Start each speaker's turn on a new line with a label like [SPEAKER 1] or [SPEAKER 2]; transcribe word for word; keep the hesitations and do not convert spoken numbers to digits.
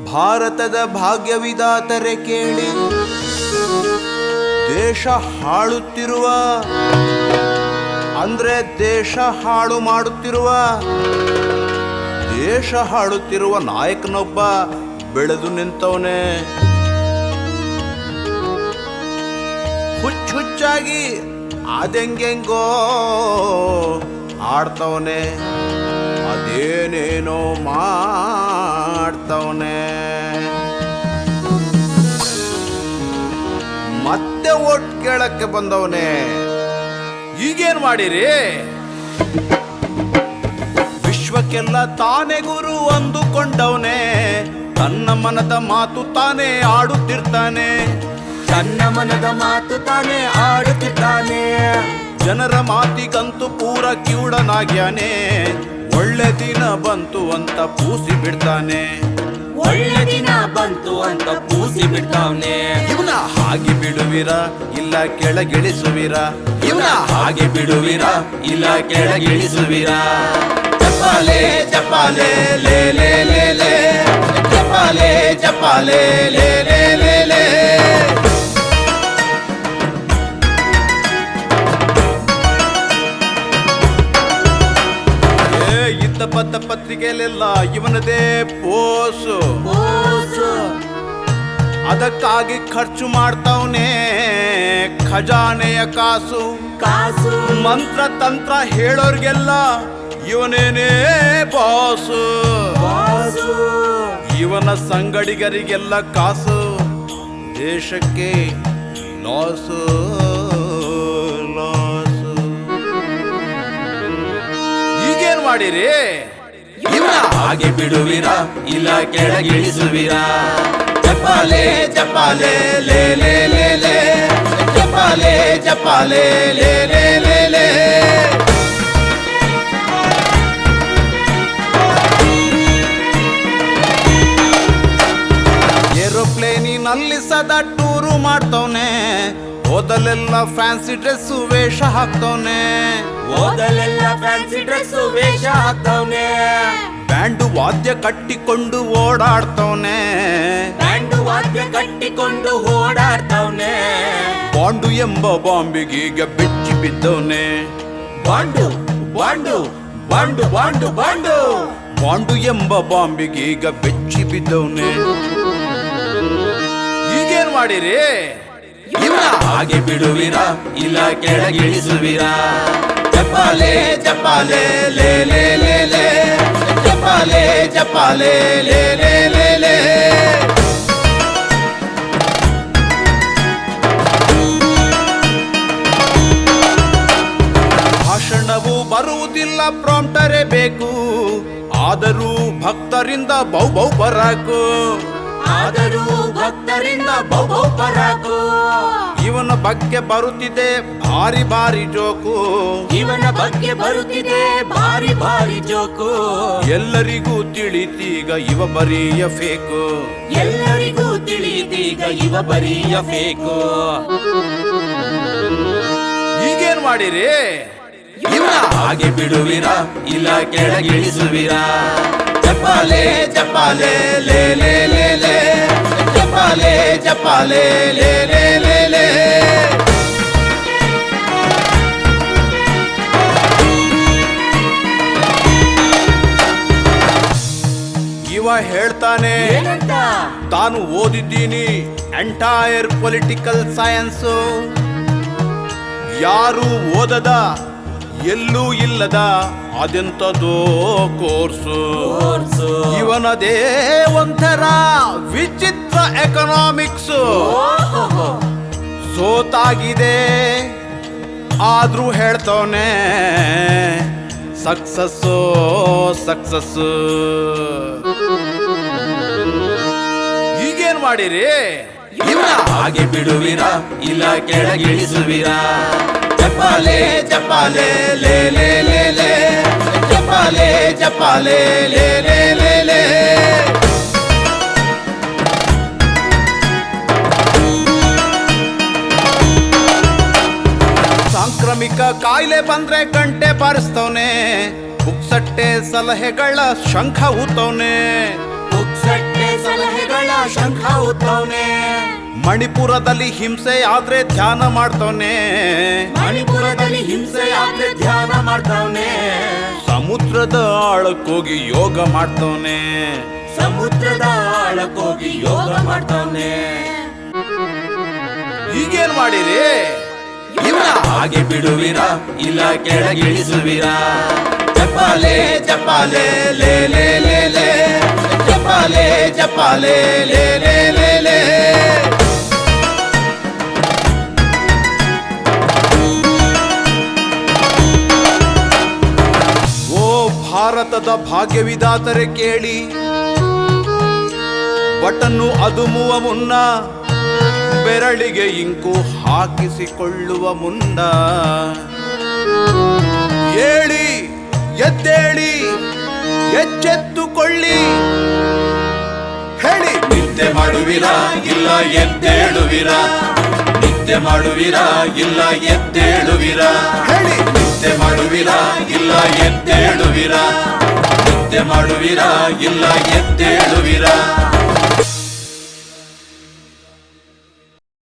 [SPEAKER 1] ಭಾರತದ ಭಾಗ್ಯವಿದಾತರೆ ಕೇಳಿ, ದೇಶ ಹಾಳುತ್ತಿರುವ ಅಂದ್ರೆ ದೇಶ ಹಾಳು ಮಾಡುತ್ತಿರುವ ದೇಶ ಹಾಳುತ್ತಿರುವ ನಾಯಕನೊಬ್ಬ ಬೆಳೆದು ನಿಂತವನೇ. ಹುಚ್ಚು ಹುಚ್ಚಾಗಿ ಅದೆಂಗೆಂಗೋ ಆಡ್ತವನೆ, ಅದೇನೇನೋ ಮಾಡ್ತವನೆ. ಮತ್ತೆ ಓಟ್ ಕೇಳಕ್ಕೆ ಬಂದವನೇ. ಈಗೇನ್ ಮಾಡಿರಿ? ವಿಶ್ವಕ್ಕೆಲ್ಲ ತಾನೇ ಗುರು ಅಂದುಕೊಂಡವನೇ, ತನ್ನ ಮನದ ಮಾತು ತಾನೇ ಆಡುತ್ತಿರ್ತಾನೆ.
[SPEAKER 2] ತನ್ನ ಮನದ ಮಾತು ತಾನೇ ಆಡುತ್ತಿದ್ದಾನೆ.
[SPEAKER 1] ಜನರ ಮಾತಿಗಂತೂ ಪೂರ ಕಿವುಡನಾಗ್ಯಾನೆ. ಒಳ್ಳೆ ದಿನ ಬಂತು ಅಂತ ಪೂಸಿ ಬಿಡ್ತಾನೆ.
[SPEAKER 2] ಒಳ್ಳೆ ದಿನ ಬಂತು ಅಂತ ಪೂಸಿ ಬಿಡ್ತಾವನೆ.
[SPEAKER 1] ಇವನ ಹಾಗೆ ಬಿಡುವಿರ ಇಲ್ಲ ಕೆಳಗಿಳಿಸುವಿರ? ಇವನ ಹಾಗೆ ಬಿಡುವಿರ ಇಲ್ಲ ಕೆಳಗಿಳಿಸುವಿರ? ಚಪ್ಪಾಲೆ ಚಪ್ಪಾಲೆ ಲೇ ಲೇ ಲೇ ಲೇ, ಚಪ್ಪಾಲೆ ಚಪ್ಪಾಲೆ ಲೇ ಲೇ ಲೇ ಲೇ. ಇದ್ದ ಬದ್ದ ಪತ್ರಿಕೆಯಲ್ಲೆಲ್ಲ ಇವನದೇ ಪೋಸು. ಅದಕ್ಕಾಗಿ ಖರ್ಚು ಮಾಡ್ತಾವನೆ ಖಜಾನೆಯ ಕಾಸು.
[SPEAKER 2] ಕಾಸು
[SPEAKER 1] ಮಂತ್ರ ತಂತ್ರ ಹೇಳೋರ್ಗೆಲ್ಲ ಇವನೇನೇ ಬಾಸು. ಇವನ ಸಂಗಡಿಗರಿಗೆಲ್ಲ ಕಾಸು, ದೇಶಕ್ಕೆ ಲಾಸು ಲಾಸು. ಈಗೇನ್ ಮಾಡಿರಿ? ಇವನ ಹಾಗೆ ಬಿಡುವಿರ ಇಲ್ಲ ಕೆಳಗಿಳಿಸುವಿರ? ಚಪ್ಪಾಲೆ ಚಪ್ಪಾಲೆ ಲೇ ಲೇ ಲೇ ಲೇ, ಚಪ್ಪಾಲೆ ಚಪ್ಪಾಲೆ ಲೇ ಲೇ ಲೇ ಲೇ. ಏರೋಪ್ಲೇನಿನಲ್ಲಿ ಸದಾ ಟೂರು ಮಾಡ್ತವನೆ. ಓದಲೆಲ್ಲ ಫ್ಯಾನ್ಸಿ ಡ್ರೆಸ್ ವೇಷ ಹಾಕ್ತವನೆ.
[SPEAKER 2] ಓದಲೆಲ್ಲ ಫ್ಯಾನ್ಸಿ ಡ್ರೆಸ್ ವೇಷ ಹಾಕ್ತವನೆ.
[SPEAKER 1] ಬ್ಯಾಂಡು ವಾದ್ಯ ಕಟ್ಟಿಕೊಂಡು ಓಡಾಡ್ತವನೆ.
[SPEAKER 2] ಬ್ಯಾಂಡು ವಾದ್ಯ ಕಟ್ಟಿಕೊಂಡು ಓಡಾಡ್ತವನೆ.
[SPEAKER 1] ಬಾಂಡು ಎಂಬ ಬಾಂಬಿಗೀಗ ಬೆಚ್ಚಿ ಬಿದ್ದವನೆ.
[SPEAKER 2] Bond bond bond bond bond
[SPEAKER 1] bond ಎಂಬ ಬಾಂಬಿಗೀಗ ಬೆಚ್ಚಿ ಬಿದ್ದವನೆ. ಈಗೇನ್ ಮಾಡಿರಿ? ಇವನ ಹಾಗೆ ಬಿಡುವಿರ ಇಲ್ಲ ಕೆಳಗಿಳಿಸುವಿರ? ಚಪ್ಪಾಲೆ ಚಪ್ಪಾಲೆ ಲೇ ಲೇ ಲೇ ಲೇ, ಚಪ್ಪಾಲೆ ಚಪ್ಪಾಲೆ ಲೇ ಲೇ ಲೇ ಲೇ. ಭಾಷಣವು ಬರುವುದಿಲ್ಲ, ಪ್ರಾಂಪ್ಟರೇ ಬೇಕು. ಆದರೂ ಭಕ್ತರಿಂದ ಬೌ ಬೌ ಪರಾಕು.
[SPEAKER 2] ಆದರೂ ಭಕ್ತರಿಂದ ಬೌ ಬೌ ಪರಾಕು.
[SPEAKER 1] ಇವನ ಬಗ್ಗೆ ಬರುತ್ತಿದೆ ಭಾರಿ ಭಾರಿ ಜೋಕು.
[SPEAKER 2] ಇವನ ಬಗ್ಗೆ ಬರುತ್ತಿದೆ ಭಾರಿ ಭಾರಿ ಜೋಕು.
[SPEAKER 1] ಎಲ್ಲರಿಗೂ ತಿಳಿತೀಗ ಇವ ಬರೀಯ ಫೇಕು.
[SPEAKER 2] ಎಲ್ಲರಿಗೂ ತಿಳಿದೀಗ ಇವ ಬರೀಯ ಫೇಕು.
[SPEAKER 1] ಈಗೇನ್ ಮಾಡಿರಿ? ಇವನ ಹಾಗೆ ಬಿಡುವಿರ ಇಲ್ಲ ಕೆಳಗಿಳಿಸುವಿರ? ಚಪ್ಪಾಲೆ ಚಪ್ಪಾಲೆ ಲೇ ಲೇ ಲೇ ಲೇ, ಚಪ್ಪಾಲೆ ಚಪ್ಪಾಲೆ ಲೇ ಲೇ ಲೇ ಲೇ. ಇವ ಹೇಳ್ತಾನೆ
[SPEAKER 2] ಏನಂತ?
[SPEAKER 1] ತಾನು ಓದಿದ್ದೀನಿ ಎಂಟೈರ್ ಪೊಲಿಟಿಕಲ್ ಸೈನ್ಸು. ಯಾರು ಓದದ ಎಲ್ಲೂ ಇಲ್ಲದ ಅದೆಂತದೋ ಕೋರ್ಸು. ಇವನದೇ ಒಂಥರ ವಿಚಿತ್ರ ಎಕನಾಮಿಕ್ಸ್. ಸೋತಾಗಿದೆ ಆದ್ರೂ ಹೇಳ್ತವನೆ ಸಕ್ಸಸ್ಸು ಸಕ್ಸಸ್ಸು. ಈಗೇನ್ ಮಾಡಿರಿ? ಇವನ ಹಾಗೆ ಬಿಡುವಿರ ಇಲ್ಲ ಕೆಳಗಿಳಿಸುವಿರ? ಚಪ್ಪಾಲೆ ಚಪ್ಪಾಲೆ ಲೇ ಲೇ ಲೇ ಲೇ, ಚಪ್ಪಾಲೆ ಚಪ್ಪಾಲೆ ಲೇ ಲೇ ಲೇ ಲೇ. ಸಾಂಕ್ರಾಮಿಕ ಕಾಯಿಲೆ ಬಂದ್ರೆ ಗಂಟೆ ಬಾರಿಸ್ತವನೆ. ಪುಕ್ಸಟ್ಟೆ ಸಲಹೆಗಳ ಶಂಖ ಊತವನೆ.
[SPEAKER 2] ಪುಕ್ಸಟ್ಟೆ ಸಲಹೆ ಶಂಖ ಊದ್ತವ್ನೆ.
[SPEAKER 1] ಮಣಿಪುರದಲ್ಲಿ ಹಿಂಸೆ ಆದ್ರೆ ಧ್ಯಾನ ಮಾಡ್ತವ್ನೆ.
[SPEAKER 2] ಮಣಿಪುರದಲ್ಲಿ ಹಿಂಸೆ ಆದ್ರೆ ಧ್ಯಾನ ಮಾಡ್ತವ್ನೆ.
[SPEAKER 1] ಸಮುದ್ರದ ಆಳಕ್ಕೋಗಿ ಯೋಗ ಮಾಡ್ತವ್ನೆ.
[SPEAKER 2] ಸಮುದ್ರದ ಆಳಕ್ಕೋಗಿ ಯೋಗ ಮಾಡ್ತವ್ನೆ.
[SPEAKER 1] ಈಗೇನ್ ಮಾಡಿರಿ?
[SPEAKER 2] ಇವನ ಹಾಗೆ ಬಿಡುವಿರಾ ಇಲ್ಲ ಕೆಳಗಿಳಿಸುವಿರಾ?
[SPEAKER 1] ಚಪ್ಪಾಲೆ ಚಪ್ಪಾಲೆ ಲೇ ಲೇ ಲೇ ಲೇ, ಚಪ್ಪಾಲೆ ಚಪ್ಪಾಲೆ ಲೇ ಲೇ ಲೇ ಲೇ. ಓ ಭಾರತದ ಭಾಗ್ಯವಿದಾತರೆ ಕೇಳಿ, ಬಟನ್ನು ಅದುಮುವ ಮುನ್ನ ಬೆರಳಿಗೆ ಇಂಕು ಹಾಕಿಸಿಕೊಳ್ಳುವ ಮುನ್ನ ಏಳಿ ಎದ್ದೇಳಿ ಎಚ್ಚೆತ್ತುಕೊಳ್ಳಿ ಹೇಳಿ. ನಿದ್ದೆ ಮಾಡುವಿರಾ ಇಲ್ಲ ಎದ್ದೇಳುವಿರಾ? ನಿದ್ದೆ ಮಾಡುವಿರಾ ಇಲ್ಲ ಎದ್ದೇಳುವಿರಾ? ಹೇಳಿ. ನಿದ್ದೆ ಮಾಡುವಿರಾ ಇಲ್ಲ ಎದ್ದೇಳುವಿರಾ? ನಿದ್ದೆ ಮಾಡುವಿರಾ ಇಲ್ಲ ಎದ್ದೇಳುವಿರಾ?